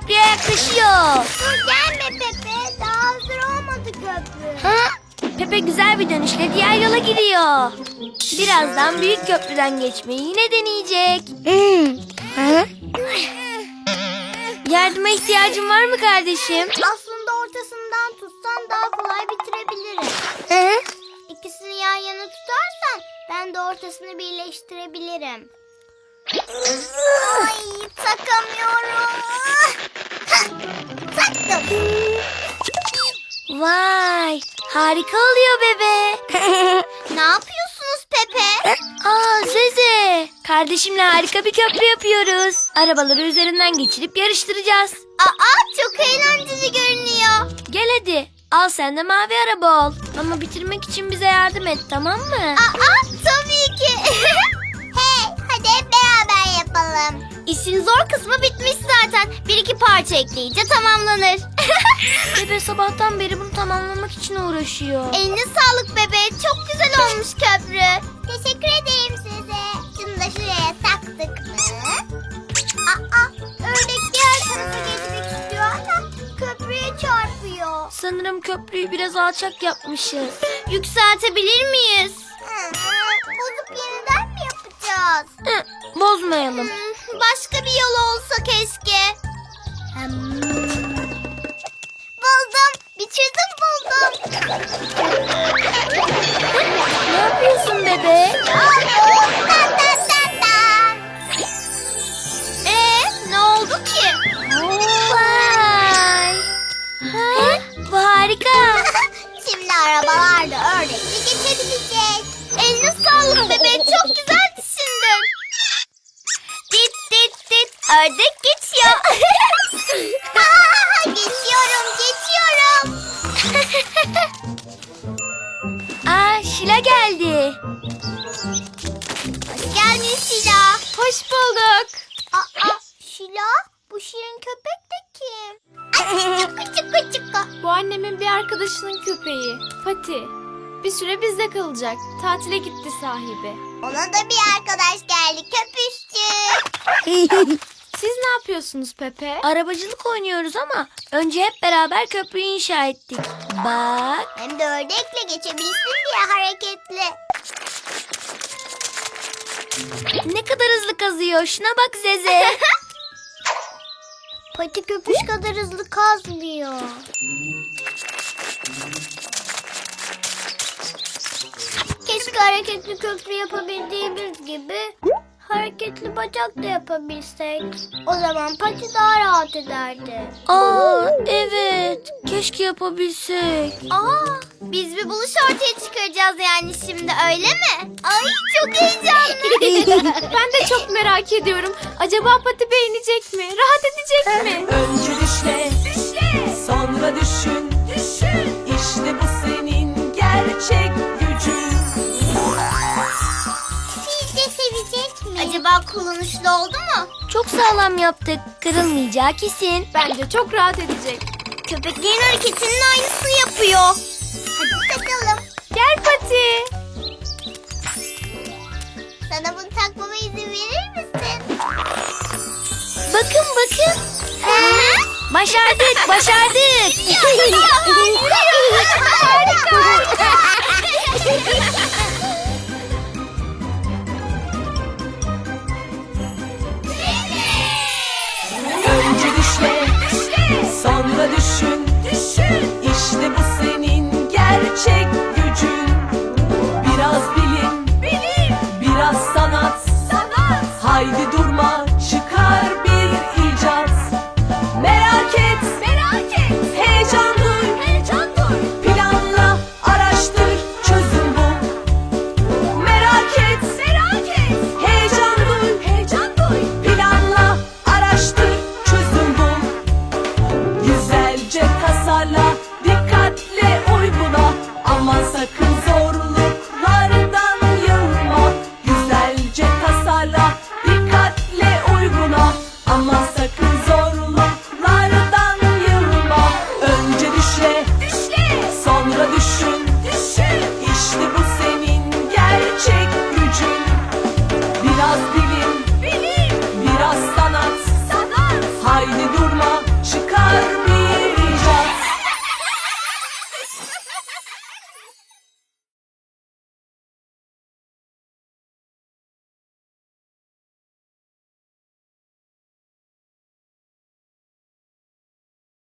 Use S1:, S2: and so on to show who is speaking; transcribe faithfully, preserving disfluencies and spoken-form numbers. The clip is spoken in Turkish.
S1: köprüye yaklaşıyor.
S2: Dur gelme Pepe. Daha hazır olmadı köprü.
S1: Ha? Pepe güzel bir dönüşle diğer yola gidiyor. Birazdan büyük köprüden geçmeyi yine deneyecek. Ha? Yardıma ihtiyacın var mı kardeşim?
S2: Aslında ortasından tutsan daha kolay bitirebilirim.
S1: Hı?
S2: İkisini yan yana tutarsan ben de ortasını birleştirebilirim. Ay takamıyorum. Taktım.
S1: Vay, harika oluyor bebe.
S2: Ne yapıyorsunuz Pepe?
S1: Aa Zeze, kardeşimle harika bir köprü yapıyoruz. Arabaları üzerinden geçirip yarıştıracağız.
S2: Aa çok eğlenceli görünüyor.
S1: Gel hadi, al sen de mavi araba ol. Ama bitirmek için bize yardım et, tamam mı?
S2: Aa tabii ki. Hey hadi hep beraber yapalım. İşin zor kısmı bitmiş zaten. Bir iki parça ekleyince tamamlanır.
S1: Bebe sabahtan beri bunu tamamlamak için uğraşıyor.
S2: Eline sağlık bebe. Çok güzel olmuş köprü. Teşekkür ederim size. Şunu da şuraya taktık mı? Aa, ördek diğer tarafa geçmek istiyor ama köprüye çarpıyor.
S1: Sanırım köprüyü biraz alçak yapmışız.
S2: Yükseltebilir miyiz? Hı, bozup yeniden mi yapacağız?
S1: Hı, bozmayalım.
S2: Hmm, başka bir yol olsa keşke. Hmm. Buldum. Bir çözüm buldum.
S1: Ne yapıyorsun bebe?
S2: Ta ta ta ta. Ee, ne oldu ki?
S1: Vay. Ha? Bu harika.
S2: Şimdi arabalarda ördekle geçebilecek. Eline sağlık bebe. Çok güzel düşündün. Dit dit dit. Ördek geçiyor. geçiyorum geçiyorum.
S1: Aa Şila geldi.
S2: Hoş geldin Şila.
S1: Hoş bulduk.
S2: Aa, Şila bu şirin köpek de kim? Ay, çıkı çıkı çıkı.
S3: Bu annemin bir arkadaşının köpeği. Pati. Bir süre bizde kalacak. Tatile gitti sahibi.
S2: Ona da bir arkadaş geldi köpüşçü.
S3: Siz ne yapıyorsunuz Pepe?
S1: Arabacılık oynuyoruz ama önce hep beraber köprüyü inşa ettik. Bak.
S2: Hem de ördekle geçebilsin diye hareketli.
S1: Ne kadar hızlı kazıyor. Şuna bak Zeze.
S2: Pati köpüş kadar hızlı kazmıyor. Keşke hareketli köprü yapabildiğimiz gibi hareketli bacak da yapabilsek. O zaman Pati daha rahat ederdi.
S1: Aa evet. Keşke yapabilsek.
S2: Aa, biz bir buluş ortaya çıkaracağız yani şimdi öyle mi? Ay çok heyecanlı.
S3: Ben de çok merak ediyorum. Acaba Pati beğenecek mi? Rahat edecek mi?
S4: Önce düşle, sonra düşün, düşün. İşte bu senin gerçek gücün.
S2: Sizce sevecek mi? Acaba kullanışlı oldu mu?
S1: Çok sağlam yaptık. Kırılmayacağı kesin.
S3: Bence çok rahat edecek.
S2: Köpeklerin hareketinin aynısını yapıyor. Hadi takalım.
S3: Gel Pati.
S2: Sana bunu takmama izin verir misin?
S1: Bakın bakın. Başardık başardık.
S4: Önce düşle, sonra düşün, düşün. İşte bu senin gerçek